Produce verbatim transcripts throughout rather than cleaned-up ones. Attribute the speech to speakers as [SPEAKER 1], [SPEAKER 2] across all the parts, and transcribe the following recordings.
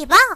[SPEAKER 1] บ้า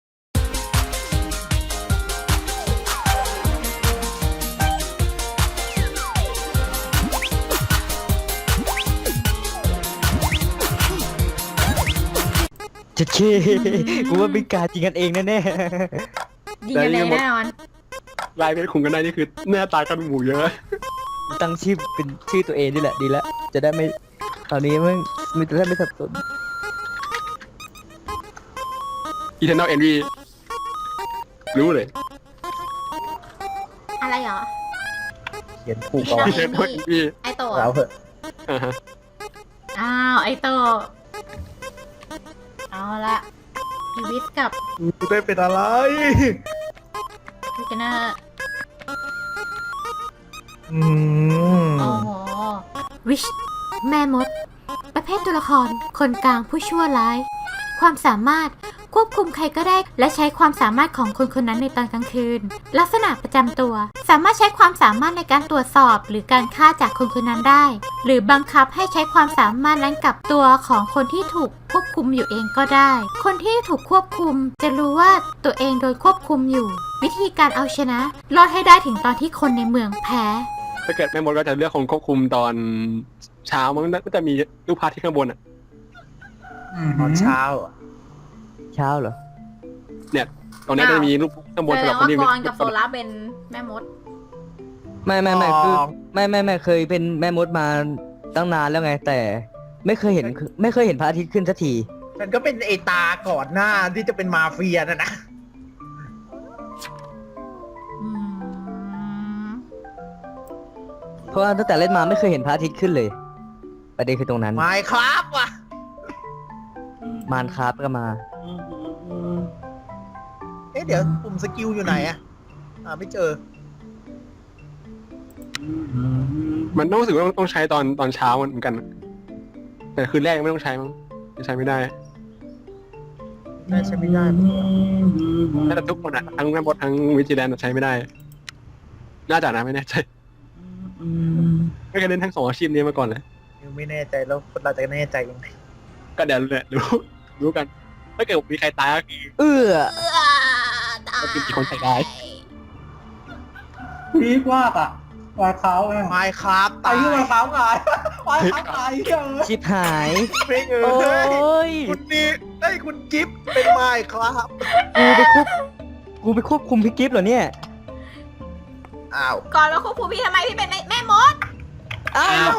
[SPEAKER 2] จะเช่กูว่าเป็นการจริงกันเองแน่
[SPEAKER 3] ๆยิงกันเองแน่นอน
[SPEAKER 4] ลายเพชรขุงกันได้นี่คือหน้าตากันหมูเยอะ
[SPEAKER 2] ตั้งชื่อเป็นชื่อตัวเองนี่แหละดีแล้วจะได้ไม่ตอนนี้มึงมึงจะได้ไม่สับสน
[SPEAKER 4] Eternal Envy รู้เลย
[SPEAKER 3] อะไรเหรอ
[SPEAKER 2] เขียนถูกก่อน
[SPEAKER 4] Eternal Envy
[SPEAKER 3] ไอโตะ
[SPEAKER 2] แล้วเหอะ
[SPEAKER 3] อ้าวไอโตะเอาละพีวิสกับ
[SPEAKER 2] กูได้เป็นอะไร
[SPEAKER 3] พี่เจเนอร์
[SPEAKER 2] อืม
[SPEAKER 3] โอ้โหวิชแม่มดประเภทตัวละครคนกลางผู้ชั่วร้ายความสามารถควบคุมใครก็ได้และใช้ความสามารถของคนคนนั้นในตอนกลางคืนลักษณะประจำตัวสามารถใช้ความสามารถในการตรวจสอบหรือการฆ่าจากคนคนนั้นได้หรือบังคับให้ใช้ความสามารถนั้นกับตัวของคนที่ถูกควบคุมอยู่เองก็ได้คนที่ถูกควบคุมจะรู้ว่าตัวเองโดนควบคุมอยู่วิธีการเอาชนะรอดให้ได้ถึงตอนที่คนในเมืองแพ้
[SPEAKER 4] ถ้าเกิดแม่มดก็จะเลือกคนควบคุมตอนเช้ามันก็จะมีรูปภาพที่ข้างบนอ่ะ
[SPEAKER 2] ตอนเช้าเช้าเหรอ
[SPEAKER 4] เนี่ยตอนนี้จะมีรูปข้างบนสำหรับคนที่
[SPEAKER 3] แสดงว่ากรกับโซล่าเป็นแม่มด
[SPEAKER 2] ไม่ไม่ไม่คือไม่ไม่ไม่เคยเป็นแม่มดมาตั้งนานแล้วไงแต่ไม่เคยเห็นไม่เคยเห็นพระอาทิตย์ขึ้นสักที
[SPEAKER 5] มันก็เป็นไอตาก่อนหน้าที่จะเป็นมาเฟียนะนะ
[SPEAKER 2] เพราะว่าตั้งแต่เล่นมาไม่เคยเห็นพระอาทิตย์ขึ้นเลยประเด็นคือตรงนั้น
[SPEAKER 5] ไม่ครับว่ะ
[SPEAKER 2] มานคราฟก็มา
[SPEAKER 5] เอ๊ะเดี๋ยวปุ่มสกิลอยู่ไหนอะอ่าไม่เจอ
[SPEAKER 4] มันต้องรู้สึกว่าต้องใช้ตอนตอนเช้าเหมือนกันแต่คืนแรกยังไม่ต้องใช้มั้งใช้ไม่ได้
[SPEAKER 5] น่าใช้ไม่ได้
[SPEAKER 4] แต่ทุกคนอะทั้งแม่มดทั้งวิจิแลนด์ใช้ไม่ได้น่าจะนะไม่แน่ใจไม่เคยเล่นทั้งสองอาชีพนี้มาก่อนเลย
[SPEAKER 5] ไม่แน่ใจแล้วคนเราจะแน่ใจยังไง
[SPEAKER 4] ก็เดี๋ยวรู้รู้รู้กันถ้าเกิดมีใครตายก็คือ
[SPEAKER 2] เอื้อ
[SPEAKER 4] ก็คือมีคนใส่ได้
[SPEAKER 6] พีกว่าอ่ะวายเขาไง
[SPEAKER 5] ไม้ครับ
[SPEAKER 6] ตายที่วายเขาไงวายเขาตายเยอะ
[SPEAKER 2] ชิบหาย
[SPEAKER 5] โอ้ยคุณนี่ไอ้คุณกิฟต์เป็นไม้ครับ
[SPEAKER 2] กูไปควบกูไปควบคุมพี่กิฟต์เหรอเนี่ย
[SPEAKER 5] อ้าว
[SPEAKER 3] ก่อนมาควบคุมพี่ทำไมพี่เป็นแม่มด
[SPEAKER 5] อ้าว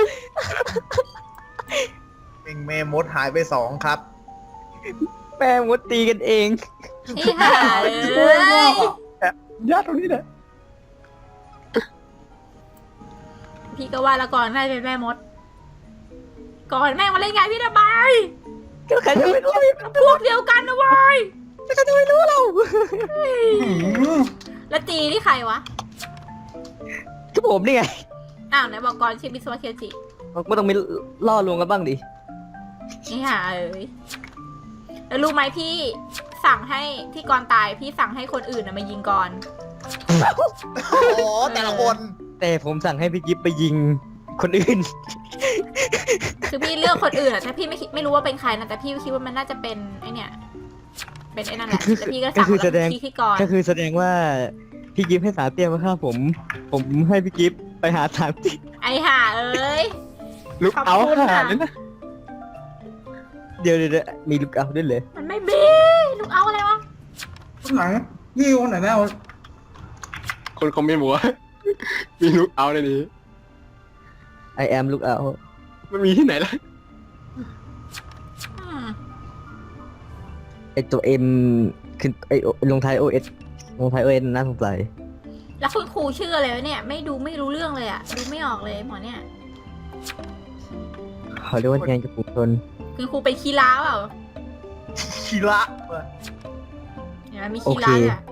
[SPEAKER 5] เป็นแม่มดหายไปสองครับ
[SPEAKER 2] แม่มดตีกันเอง
[SPEAKER 3] นี่ค่ะเลย
[SPEAKER 4] ญาติตรงนี้แหละ
[SPEAKER 3] พี่ก็ว่าละก่อนน่าจะเป็นแม่มดก่อนแม่มาเล่นงานพี่ทำไม
[SPEAKER 2] ก็ใครจะไม่รู้
[SPEAKER 3] พวกเดียวกันนะวาย
[SPEAKER 2] ใครจะไม่รู้เรา
[SPEAKER 3] แล้วจีนี่ใครวะ
[SPEAKER 2] ก็ผมนี่ไง
[SPEAKER 3] อ้าวไหนบอกก่อนชื่อมิสวะเคียวจิ
[SPEAKER 2] ไม่ต้องมีล่อลวงกันบ้างดิ
[SPEAKER 3] นี่ค่ะเอ้ยแล้วรู้ไหมพี่สั่งให้ที่ก่อนตายพี่สั่งให้คนอื่นมายิงก่อน
[SPEAKER 5] โอ้แต่ละคน
[SPEAKER 2] แต่ผมสั่งให้พี่กิฟไปยิงคนอื่น
[SPEAKER 3] คือพี่เลือกคนอื่นอะแต่พี่ไม่ไม่รู้ว่าเป็นใครนะแต่พี่คิดว่ามันน่าจะเป็นไอเนี่ยเป็นไอ้นั่นแหละแต่พี่ก็สั่งแล้วพี่ที่ก่อน
[SPEAKER 2] ก็คือแสดงว่าพี่กิฟให้สาเตี้ยมาฆ่าผมผมให้พี่กิฟไปหาสามติ
[SPEAKER 3] ไอห่าเอ้ย
[SPEAKER 4] ลูกเอาค่ะเลยนะ
[SPEAKER 2] เดี๋ยวเดี๋ยวมีลูกเอาด้วยเลย
[SPEAKER 3] มันไม่มีลูกเอาอะไรวะ
[SPEAKER 6] คนไหนยี่คนไหนแม่
[SPEAKER 4] คนคอมเมนต์บอกว่ามีลูกเอาในนี้
[SPEAKER 2] I am ลูกเอา
[SPEAKER 4] มันมีที่ไหนล่ะ
[SPEAKER 2] ไอตัว M คือไอลงท้าย โอ เอส ลงท้าย โอ เอส น่าสงสัย
[SPEAKER 3] แล้วคุณครูชื่ออะไรวะเนี่ยไม่ดูไม่รู้เรื่องเลยอะดูไม่ออกเลยหมอเนี่ย
[SPEAKER 2] เขาเรียกว่างานกับปุถุชน
[SPEAKER 3] คือครูเป็นคีราเปล่า
[SPEAKER 5] คีระ
[SPEAKER 3] เนี่ยมีคีราอ่ะ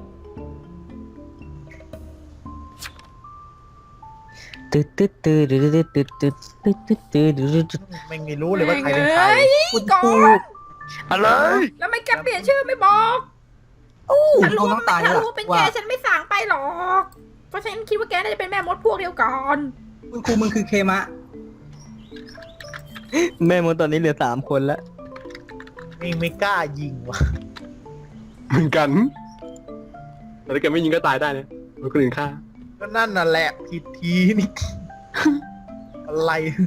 [SPEAKER 2] ตึ๊ดตึ๊ดตึ๊ดตึ๊ดตึ๊ดตึ๊ดตึ๊ดตึ๊ดตึ๊ดตึ๊ดตึ๊ด
[SPEAKER 5] ไม่มีรู้เลยว่าใครเป็นใคร
[SPEAKER 3] คุณครู
[SPEAKER 4] อะไร
[SPEAKER 3] แล้วไม่แกเปลี่ยนชื่อไม่บอกฉันรู้ว่าถ้ารู้เป็นแกฉันไม่สั่งไปหรอกเพราะฉันคิดว่าแกน่าจะเป็นแม่มดพวกเดียวกัน
[SPEAKER 6] คุณครูมึงคือเคมะ
[SPEAKER 2] แม่มดตอนนี้เหลือสามคนแล้ว
[SPEAKER 5] ไม่ไม่กล้ายิงว่ะ
[SPEAKER 4] เหมือนกันแต่ถ้าแกไม่ยิงก็ตายได้นะโดนคนอื่นฆ่า
[SPEAKER 5] ก็นั่นน่ะแหละผิดทีนี่ อะไร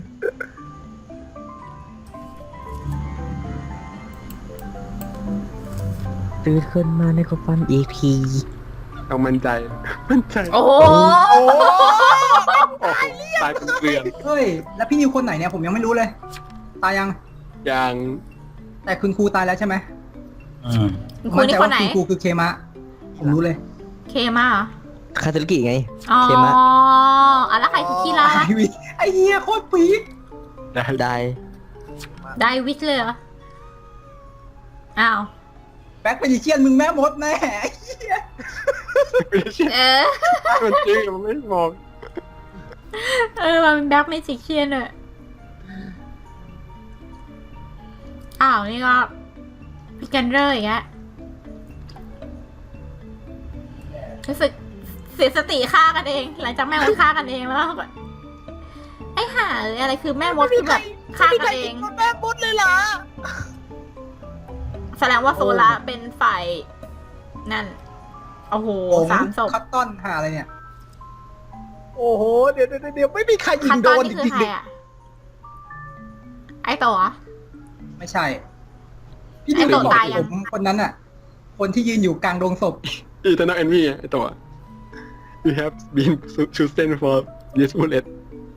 [SPEAKER 2] ตื่นขึ้นมาในกฟัน อี พี
[SPEAKER 4] ต้องมั่นใจ มั่นใจ
[SPEAKER 3] โอ้โห
[SPEAKER 5] โอ้
[SPEAKER 4] โอ้โหตายเป็นเกลือน
[SPEAKER 6] เฮ้ย แล้วพี่นิวคนไหนเนี่ยผมยังไม่รู้เลย ตายยัง
[SPEAKER 4] อย่าง
[SPEAKER 6] แต่คุณครูตายแล้วใช่ไหม
[SPEAKER 3] คุณครูนี่คนไหน
[SPEAKER 6] มั่ใจว่าคุณครูคือเคมะ ผมรู้เลย
[SPEAKER 3] เคมาเหรอ
[SPEAKER 2] คาทาลิกิไง
[SPEAKER 3] อ๋อ
[SPEAKER 2] เคมะ
[SPEAKER 3] อ่ะแล้วใครคือคีรา
[SPEAKER 6] ไอวิไอเฮียโคตรปี๊ด
[SPEAKER 4] ได้
[SPEAKER 2] ได้
[SPEAKER 3] ได้วิชเลยเหรอ อ้าว
[SPEAKER 6] แบ็คเมจิเชียนมึงแม่มดแน่ไอ้เหี้ย
[SPEAKER 4] ไม่ใช่
[SPEAKER 3] เออ
[SPEAKER 4] มันจริงมันไม่มอง
[SPEAKER 3] เออมันเป็นแบ็คเมจิกเชียนอะอ้าว นี่ก็พิกันเรอร์อีกแล้วรู้สึกเสียสติฆ่ากันเอง หลังจากแม่มดฆ่ากันเองแล้วก็ไอ้ห่าเอ้ยอะไรคือแม่มดคือแบบฆ่ากันเอง
[SPEAKER 5] แม่มดเลยเหรอ
[SPEAKER 3] แสดงว่าโซล่าเป็นฝ่ายนั่น โอ้โห
[SPEAKER 6] ผม
[SPEAKER 3] สามศพ
[SPEAKER 6] คัตตอนหาอะไรเนี่ย
[SPEAKER 5] โอ้โหเดี๋ยวเดี๋ยวเดี๋ยวไม่มีใครยิ
[SPEAKER 3] คั
[SPEAKER 5] ง
[SPEAKER 3] น
[SPEAKER 5] โด
[SPEAKER 3] ตอน
[SPEAKER 5] น
[SPEAKER 3] นี่
[SPEAKER 5] จ
[SPEAKER 3] คือ
[SPEAKER 5] ริง
[SPEAKER 3] ใคร
[SPEAKER 5] ๆ
[SPEAKER 3] อ่ะ ไอโตะเหรอ
[SPEAKER 6] ไม่ใช่ พี่
[SPEAKER 3] ไอ้
[SPEAKER 6] นิว
[SPEAKER 3] โต
[SPEAKER 6] บอก
[SPEAKER 3] ตายยัง
[SPEAKER 6] ผมคนนั้นอ่ะ คนที่ยืนอยู่กลางโรงศพ
[SPEAKER 4] อีเทอร์นอลเอนวีไอตัว you have been chosen for this bullet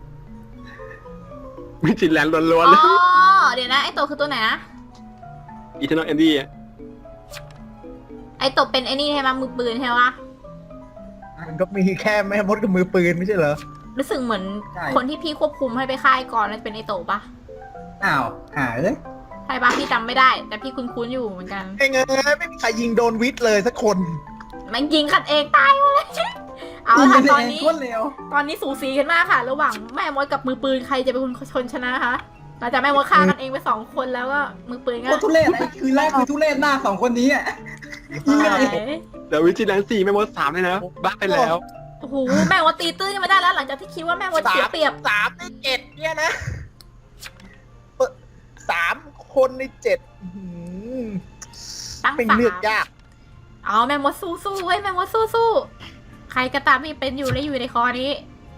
[SPEAKER 4] มิจิแลนด์ล้วน
[SPEAKER 3] อ๋
[SPEAKER 4] ๆเลย
[SPEAKER 3] อ เดี๋ยวนะ ไอโตะคือตัวไหนนะ
[SPEAKER 4] อีเทอร์นอลเอนวีอะ
[SPEAKER 3] ไอโตะเป็นไอนี่ใช่ไหมมือปืนใช่ไหม
[SPEAKER 5] มันก็มีแค่แม่มดกับมือปืนไม่ใช่เหรอ
[SPEAKER 3] รู้สึกเหมือน
[SPEAKER 6] ใช่
[SPEAKER 3] คนที่พี่ควบคุมให้ไปค่ายก่อนนั่นเป็นไอโตะปะ
[SPEAKER 6] อ้าวหาเลย
[SPEAKER 3] ใช่ปะพี่จำไม่ได้ แต่พี่คุ้นๆอยู่เหมือนกัน
[SPEAKER 5] ไอ้เงยไม่มีใครยิงโดนวิทย์เลยสักคน
[SPEAKER 3] มันยิงกันเองตายหมดเลย เอา
[SPEAKER 6] ยิง
[SPEAKER 3] ละ
[SPEAKER 6] กั
[SPEAKER 3] ค่ะ
[SPEAKER 6] น
[SPEAKER 3] ตอน
[SPEAKER 6] เอง
[SPEAKER 3] นี้
[SPEAKER 6] โคตรเร็ว
[SPEAKER 3] ตอนนี้สูสีกันมากค่ะ ระหว่างแม่มดกับมือปืนใครจะเป็นคนชนชนะคะหลังจากแม่มดฆ่ากันเองไปสองคนแล้วก็มือปืนก็
[SPEAKER 6] โคตรทุเรศไอ้คือแรกคือทุเรศหน้าสองคนนี้อ่ะยิงกันเอง
[SPEAKER 4] เดี๋ยววิจิแลนด์สี่ไม่หมดสามเลยนะ บ้าไปแล้ว
[SPEAKER 3] โอ้โหแม่มดตีตื้นกันมาได้แล้ว หลังจากที่คิดว่าแม่มดเสียเปรียบ
[SPEAKER 5] สามในเจ็ดเนี่ยนะเอ่อสามคนในเจ็ดอื้อหือ
[SPEAKER 3] ตั้ง
[SPEAKER 5] เป็น
[SPEAKER 3] สาม
[SPEAKER 5] เลือกยาก
[SPEAKER 3] เอาแม่มดสู้สู้เว้ยแม่มดสู้สู้ใครก็ตามที่เป็นอยู่และอยู่ในคอนี้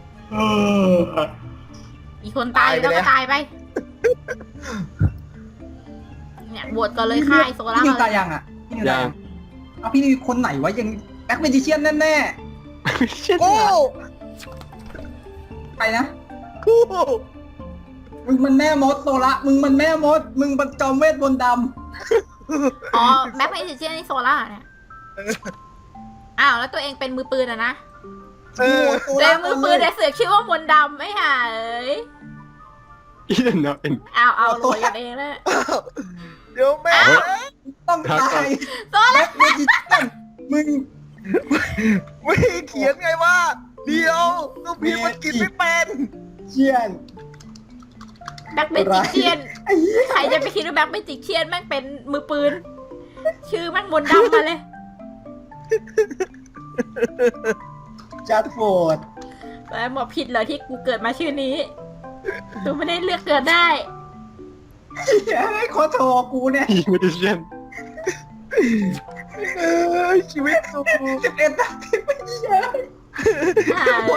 [SPEAKER 3] อีกคนตายแล้วก็ตายไป เนี่ยบวชก่อนเลยค่ายโซล่า
[SPEAKER 6] พี่นิว
[SPEAKER 3] เล
[SPEAKER 6] ตาย
[SPEAKER 3] ย
[SPEAKER 6] ยังอ่ะพี่นิวตาย
[SPEAKER 4] ยั
[SPEAKER 6] ยัง งเอาพี่นิวคนไหนวะยังแบ็คเมจิเชียนแน่
[SPEAKER 5] โอ้
[SPEAKER 6] ๆใครนะ
[SPEAKER 5] กู
[SPEAKER 6] มึงมันแม่มดโซละมึงมันแม่มด มึงมันจอมเวทบนต์ด
[SPEAKER 3] อ๋อแบ็คไมจิเชียนนี่โซล่าเนี่ยอ้าวแล้วตัวเองเป็นมือปืนอะนะ
[SPEAKER 6] ำ
[SPEAKER 5] เออ
[SPEAKER 6] โซ
[SPEAKER 3] ตัวเอ
[SPEAKER 6] ละ
[SPEAKER 3] งมือปืนแต่เสือกชื่อว่ามนต์ดำไม่ห่าเอ้ย
[SPEAKER 4] อีเทอร์นอลเอ็น
[SPEAKER 3] อ้าวเอาโหลดกันเองเลย
[SPEAKER 5] เดี๋ยวแม่
[SPEAKER 3] อ้าว
[SPEAKER 6] ต้องตาย
[SPEAKER 3] โซล่า
[SPEAKER 6] แบ็คเมจิเชียนมึง
[SPEAKER 5] ไม่เขียนไงว่า เดี๋ยวต้องพิมพ์มันกินไม่เป็น
[SPEAKER 6] เชียน
[SPEAKER 3] แบ็คไมจิเชียน
[SPEAKER 6] ไอ้เหี้ย
[SPEAKER 3] ใครจะไปคิดว่าแบ็คไมจิเชียนแม่งเป็นมือปืน ชื่อแม่งมนต์ดำมาเลย
[SPEAKER 6] จัดโฟด
[SPEAKER 3] แล้วบอกผิดเหรอที่กูเกิดมาชื่อนี้กูไม่ได้เลือกเกิดได้
[SPEAKER 6] เหี้ยไอ้ขอโทรกูเนี่ย
[SPEAKER 4] อีมิจิเชียน
[SPEAKER 5] เออชีวิตกู
[SPEAKER 6] สิบเอ็ดนาทีไม่ใช่
[SPEAKER 3] ห่าเลย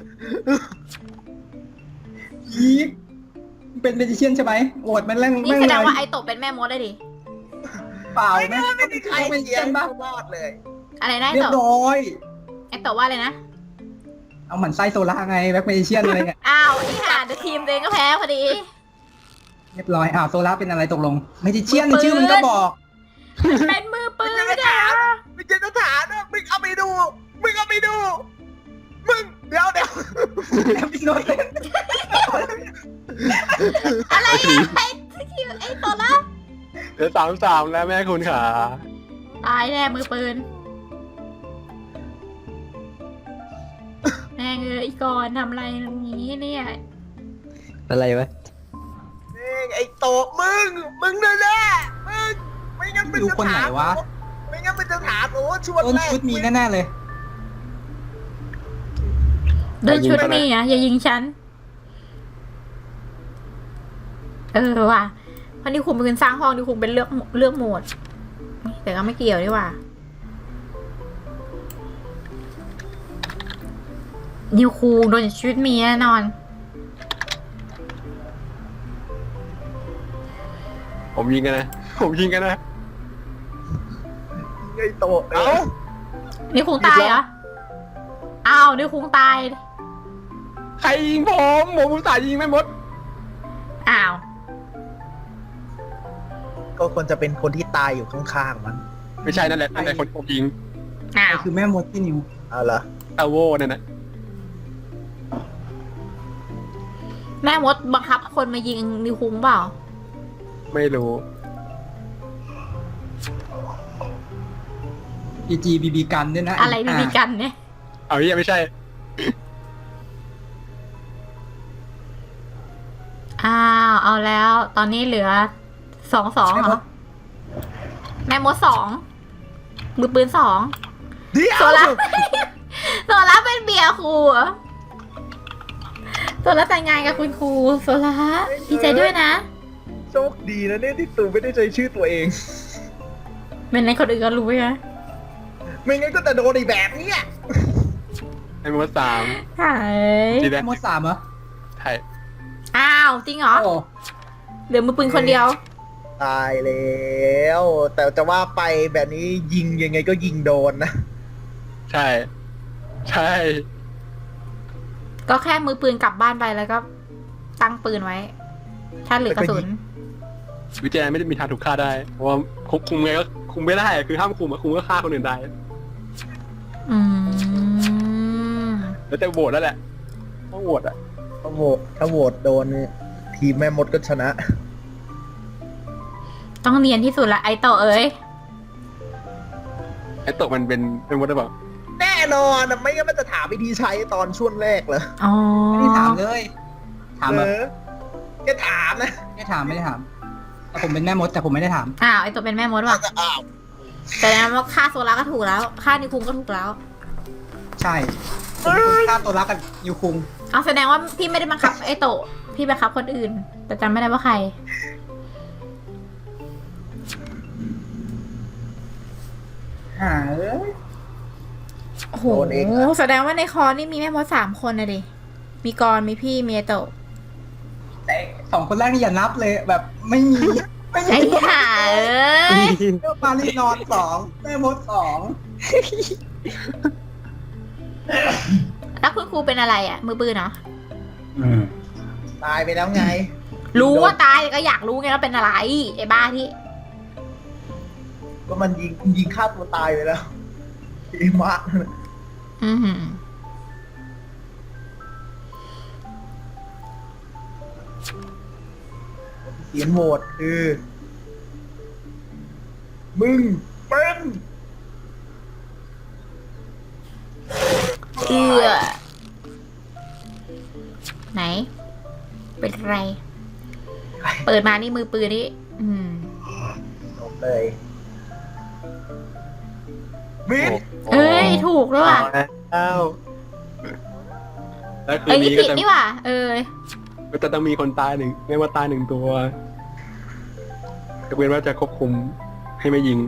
[SPEAKER 6] ยีกเป็นเมจิเชียนใช่ไหมโหวตมันแรง
[SPEAKER 3] นี่
[SPEAKER 6] แม่ง
[SPEAKER 3] แส
[SPEAKER 6] เล
[SPEAKER 3] ดง
[SPEAKER 6] ย
[SPEAKER 3] ว่าไอโตะเป็นแม่มดได้ดิ
[SPEAKER 6] เปล่า
[SPEAKER 5] ไม่
[SPEAKER 6] ไหม
[SPEAKER 5] ได้ไม่มีใคร
[SPEAKER 6] เป็น
[SPEAKER 5] เขี
[SPEAKER 6] เชี
[SPEAKER 5] ย
[SPEAKER 6] ย
[SPEAKER 5] น
[SPEAKER 6] นปะ
[SPEAKER 5] รอดเลย
[SPEAKER 3] อะไรนะไอ
[SPEAKER 6] เรีย
[SPEAKER 3] โตะ
[SPEAKER 6] บร้อย
[SPEAKER 3] ไอโตะว่าเลยนะ
[SPEAKER 6] เอาหมันไส้โซล่าไงแบ็คเมจิเชียนอะไรเนี่ย
[SPEAKER 3] อ้าวไอ้ห่าเดี๋ยวทีมตัวเองก็แพ้พอดี
[SPEAKER 6] เรียบร้อยอ้าวโซล่าเป็นอะไรตกลงเมจิเชียนในชื่อมันก็บอก
[SPEAKER 3] เป็นมือปืน
[SPEAKER 5] ไม่
[SPEAKER 3] ไม่
[SPEAKER 5] ใช่
[SPEAKER 3] ได้
[SPEAKER 5] ถาม
[SPEAKER 3] เหรอ
[SPEAKER 5] ไม่ใช่สถานนะมึงเอาไปดู มึงเอาไปดู มึง เดี๋ยวเดี๋ยว
[SPEAKER 6] แอปอินโนเซนต์
[SPEAKER 3] อะไรอะไอ้ที่ไอ้โตะละ
[SPEAKER 4] เดี๋ยวสามสามแล้วแม่คุณขา
[SPEAKER 3] ตายแน่มือปืนแม่งเอ้ยก่อนทำอะไรอย่างนี้เนี่ย
[SPEAKER 2] อะไรวะ
[SPEAKER 5] นี่ไอ้โตะมึง มึงแน่แน่ๆมึง ไม่งั้นมัน
[SPEAKER 6] ดู
[SPEAKER 5] จะ
[SPEAKER 6] คนไหน
[SPEAKER 5] ถาม
[SPEAKER 6] วะ
[SPEAKER 5] ไม่งั้นมันจะถามโอ้ชวน
[SPEAKER 6] ต้น
[SPEAKER 5] แรก
[SPEAKER 6] ชุดมีแน่ๆเลย
[SPEAKER 3] เดินชุดนี่อ่ะอย่ายิงฉัน เออว่ะเพราะนิวคุงเป็นคนสร้างห้องนิวคุงเป็นเลือกเลือกโหมดแต่ก็ไม่เกี่ยวดีกว่านิวคุงโดนชีวิตมีแน่นอน
[SPEAKER 4] ผมยิงกันนะผมยิงกันนะ
[SPEAKER 5] ไอ้โตะ
[SPEAKER 4] เอ้า
[SPEAKER 3] นิวคุงตายเหรออ้าวนิวคุงตาย
[SPEAKER 4] ใครยิงผมผมอุตส่าห์ยิงแม่มด
[SPEAKER 3] อ้าว
[SPEAKER 5] ก็ควรจะเป็นคนที่ตายอยู่ข้างๆมัน
[SPEAKER 4] ไม่ใช่นั่นแหละนั่นแหละคนผมยิง
[SPEAKER 3] อ้าว
[SPEAKER 6] คือแม่มดที่นิว
[SPEAKER 5] เอาเหรอ
[SPEAKER 4] ตาโวนั่นน่ะ
[SPEAKER 3] แม่มดบังคับคนมายิงนิวคุงเปล่า
[SPEAKER 4] ไม่รู้
[SPEAKER 6] พีจีบีบีกันด้วยนะ
[SPEAKER 3] อะไรบีบีกันเนี่ย
[SPEAKER 4] เอาเหี้ยไม่ใช่
[SPEAKER 3] อ้าวเอาแล้ว ตอนนี้เหลือสองสองเหรอแม่มดสองมือปืนสอง
[SPEAKER 5] เดี๋ยว
[SPEAKER 3] โซล่า โซล่าเป็นเบียร์ครูเหรอโซล่าแต่งงานกับคุณครูโซล่าดีใจด้วยนะ
[SPEAKER 5] โชคดีนะเนี่ยที่ตูไม่ได้ใช้ชื่อตัวเอง
[SPEAKER 3] เป็นในคนอื่นก็รู้ไหม
[SPEAKER 5] ไม่งั้นก็แต่โดนอีกแบบเนี้ย
[SPEAKER 4] ไอ้มดสาม
[SPEAKER 3] หาย
[SPEAKER 4] จีแด
[SPEAKER 6] แม่
[SPEAKER 4] ง
[SPEAKER 6] มดสามเหรอ
[SPEAKER 4] ไทย
[SPEAKER 3] อ้าวจริงเหรอ
[SPEAKER 6] โอ้
[SPEAKER 3] เหลือมือปืนคนเดียว
[SPEAKER 5] ตายแล้ว แต่จะว่าไปแบบนี้ยิงยังไงก็ยิงโดนนะ
[SPEAKER 4] ใช่ ใช่
[SPEAKER 3] ก็แค่มือปืนกลับบ้านไปแล้วก็ตั้งปืนไว้ ถ้าเหลือกระสุน
[SPEAKER 4] วิจารณ์ไม่ได้มีทางถูกฆ่าได้เพราะว่าคุมคุมไงก็คุมไม่ได้คือห้ามคุมอะคุมก็ฆ่าคนอื่นได้
[SPEAKER 3] อืม
[SPEAKER 4] แล้วแต่โหวตแล้วแหละต้องโหวตอะ
[SPEAKER 5] ถ้าโหวตถ้าโหวตโดนเนี่ยทีมแม่มดก็ชนะ
[SPEAKER 3] ต้องเนียนที่สุดละไอโตะเอ้ย
[SPEAKER 4] ไอ้ตกมันเป็นเป็นมดหรือเปล่า
[SPEAKER 5] แน่นอนอะไม่งั้นมันจะถามวิธีใช้ตอนช่วงแรกเหรอ
[SPEAKER 3] อ๋อ
[SPEAKER 6] ไม่ได้ถามเลย ถาม
[SPEAKER 5] เอ
[SPEAKER 6] แบบ
[SPEAKER 5] อแค่ถามนะ
[SPEAKER 6] ไม่ได้ถามไม่ได้ถามแต่ผมเป็นแม่มดแต่ผมไม่ได้ถาม
[SPEAKER 3] อ้าวไอโตะเป็นแม่มดว่ะ
[SPEAKER 5] อ้าว
[SPEAKER 3] แต่แล้วว่าค่าโซล่าก็ถูกแล้วค่านิวคุงก็ถูกแล้ว
[SPEAKER 6] ใช่ผมเป็นคนฆ่าตัวรักกับนิวคุง
[SPEAKER 3] เอาแสดงว่าพี่ไม่ได้บังคับไอโตะพี่บังคับคนอื่น แต่จำไม่ได้ว่าใคร
[SPEAKER 6] หาเอ้ย
[SPEAKER 3] โอ้โหแสดงว่าในคอนี่มีแม่มดสามคนนะดิมีกรมีพี่มีไอโตะ
[SPEAKER 6] แต่สองคนแรกนี่อย่านับเลยแบบไม่มีไม่มี
[SPEAKER 3] ไอ้ห่าเอ้ย
[SPEAKER 6] เจ้าปาลีนอนสองแม่มดสอง
[SPEAKER 3] แล้วคุณครูเป็นอะไรอ่ะ มือปืนเนาะ
[SPEAKER 5] ตายไปแล้วไง
[SPEAKER 3] รู้ว่าตายแต่ก็อยากรู้ไงว่าเป็นอะไรไอ้บ้าที่
[SPEAKER 5] ก็มันยิงยิงฆ่าตัวตายไปแล้วอีมาก
[SPEAKER 3] อือหือ
[SPEAKER 5] เสียงโหวตคือ มึงเป็น
[SPEAKER 3] เอือไหน เป็นไร เปิดมานี่มือปืนนี่อืม
[SPEAKER 5] จบเลยมิด
[SPEAKER 3] เอ้ย ถูกด้วยว่ะ
[SPEAKER 4] แล้วแล้วคื
[SPEAKER 3] เอ้ย
[SPEAKER 4] น
[SPEAKER 3] นี่
[SPEAKER 4] นี้
[SPEAKER 3] ผิ
[SPEAKER 4] ก็
[SPEAKER 3] ด
[SPEAKER 4] จะ
[SPEAKER 3] นี่ว่ะเออ
[SPEAKER 4] ก็จะต้องมีคนตายหนึ่งไม่ว่าตายหนึ่งตัวก็เป็นว่าจะควบคุมให้ไม่ยิง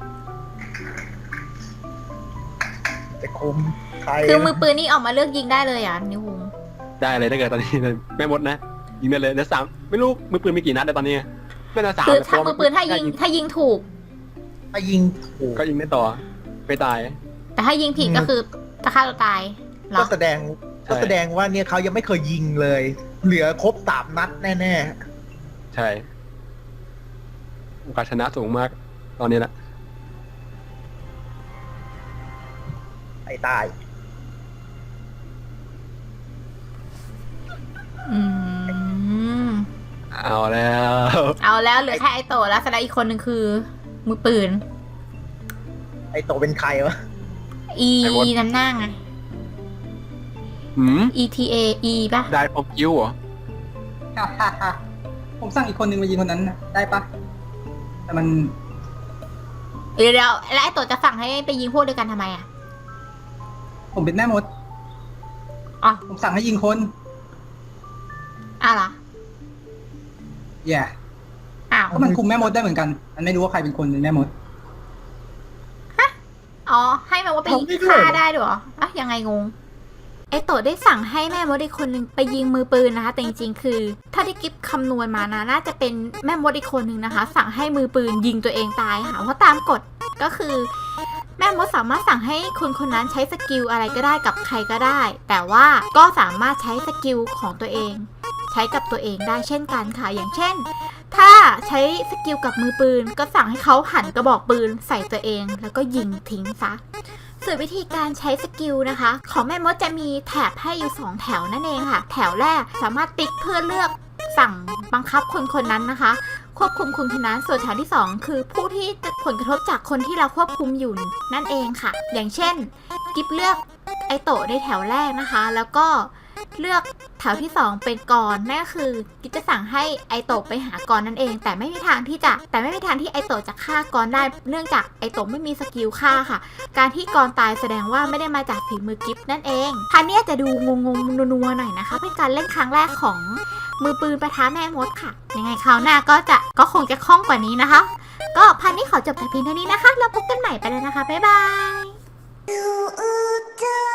[SPEAKER 5] จะคมใคร
[SPEAKER 3] คือมือปืนนี่ออกมาเลือกยิงได้เลยอ่ะนิวคุง
[SPEAKER 4] ได้เลยถ้าเกิดตอนนี้แม่มดนะยิงได้เลยเดี๋ยวสามไม่รู้มือปืนมีกี่นัดแต่ตอนนี้ไม่น่าสาม
[SPEAKER 3] คือ
[SPEAKER 4] แต่
[SPEAKER 3] ถ้า
[SPEAKER 4] ตัว
[SPEAKER 3] มือปืนถ้ายิงถ้ายิงถูก
[SPEAKER 5] ถ้ายิงถูก
[SPEAKER 4] ก็ยิงได้ต่อไม่ตาย
[SPEAKER 3] แต่ถ้ายิงผิดก็คือจะฆ่าตัวตายเหร
[SPEAKER 5] ก็
[SPEAKER 3] อ
[SPEAKER 5] แสดง
[SPEAKER 4] ใช่
[SPEAKER 5] ก็แสดงว่าเนี่ยเขายังไม่เคยยิงเลย เหลือครบสามนัดแน่
[SPEAKER 4] ใช่โอกาสชนะสูงมาก ตอนนี้แหละ
[SPEAKER 5] ๆไอ้ตาย
[SPEAKER 3] อืม
[SPEAKER 4] เอาแล้ว
[SPEAKER 3] เอาแล้วเหลือแค่ไอโตะแล้วแสดงอีกคนหนึ่งคือ มือปืน
[SPEAKER 5] ไอ้โตเป็นใครวะ
[SPEAKER 3] E น้ำหน้าไง
[SPEAKER 4] หืม
[SPEAKER 3] E T A E ป่ะ
[SPEAKER 4] ได้พอกิ้วเหรอ
[SPEAKER 6] ฮ่าฮ่าฮ่าผมสั่งอีกคนนึงมายิงคนนั้นนะได้ปะแต่มัน
[SPEAKER 3] เดี๋ยวเดี๋ยวแล้วไอโตะจะสั่งให้ไปยิงพวกด้วยกันทำไมอ่ะ
[SPEAKER 6] ผมเป็นแม่มด
[SPEAKER 3] อ๋อ
[SPEAKER 6] ผมสั่งให้ยิงคน
[SPEAKER 3] อ้าวเหรอ
[SPEAKER 6] แย่
[SPEAKER 3] อ้าว
[SPEAKER 6] ก็มันคุมแม่มดได้เหมือนกัน มันไม่รู้ว่าใครเป็นคนเป็นแม่มด
[SPEAKER 3] อ๋อ ให้แม่มดไปยิงฆ่าได้ด้วยเหรออ่ะยังไงงง ไอโตะได้สั่งให้แม่มดอีกคนนึงไปยิงมือปืนนะคะ แต่จริงๆ คือ ถ้าที่กิฟคำนวณมานะน่าจะเป็นแม่มดอีกคนนึงนะคะ สั่งให้มือปืนยิงตัวเองตายค่ะ เพราะตามกฎก็คือ แม่มดสามารถสั่งให้คนคนนั้นใช้สกิลอะไรก็ได้กับใครก็ได้ แต่ว่าก็สามารถใช้สกิลของตัวเอง ใช้กับตัวเองได้เช่นกันค่ะ อย่างเช่น ถ้าใช้สกิลกับมือปืนก็สั่งให้เขาหันกระบอกปืนใส่ตัวเอง แล้วก็ยิงทิ้งซะ ส่วนวิธีการใช้สกิลนะคะ ของแม่มดจะมีแถบให้อยู่สองแถวนั่นเองค่ะ แถวแรกสามารถติ๊กเพื่อเลือกสั่งบังคับคนคนนั้นนะคะ ควบคุมคนคนนั้นส่วนแถวที่สองคือผู้ที่จะผลกระทบจากคนที่เราควบคุมอยู่นั่นเองค่ะ อย่างเช่นกิฟเลือกไอโตะในแถวแรกนะคะ แล้วก็เลือกแถวที่สองเป็นกรนั่นก็คือกิฟจะสั่งให้ไอโตะไปหากรนั่นเอง แต่ไม่มีทางที่จะแต่ไม่มีทางที่ไอโตะจะฆ่ากรได้เนื่องจากไอโตะไม่มีสกิลฆ่าค่ะ การที่กรตายแสดงว่าไม่ได้มาจากฝีมือกิฟนั่นเองพันนี้จะดูงงๆนัวๆหน่อยนะคะเป็นการเล่นครั้งแรกของมือปืนปะทะแม่มดค่ะยังไงคราวหน้าก็จะก็คงจะคล่องกว่านี้นะคะ ก็พันนี้ขอจบแต่เพียงเท่านี้นะคะแล้วพบกันใหม่ไปแล้วนะคะบ๊ายบาย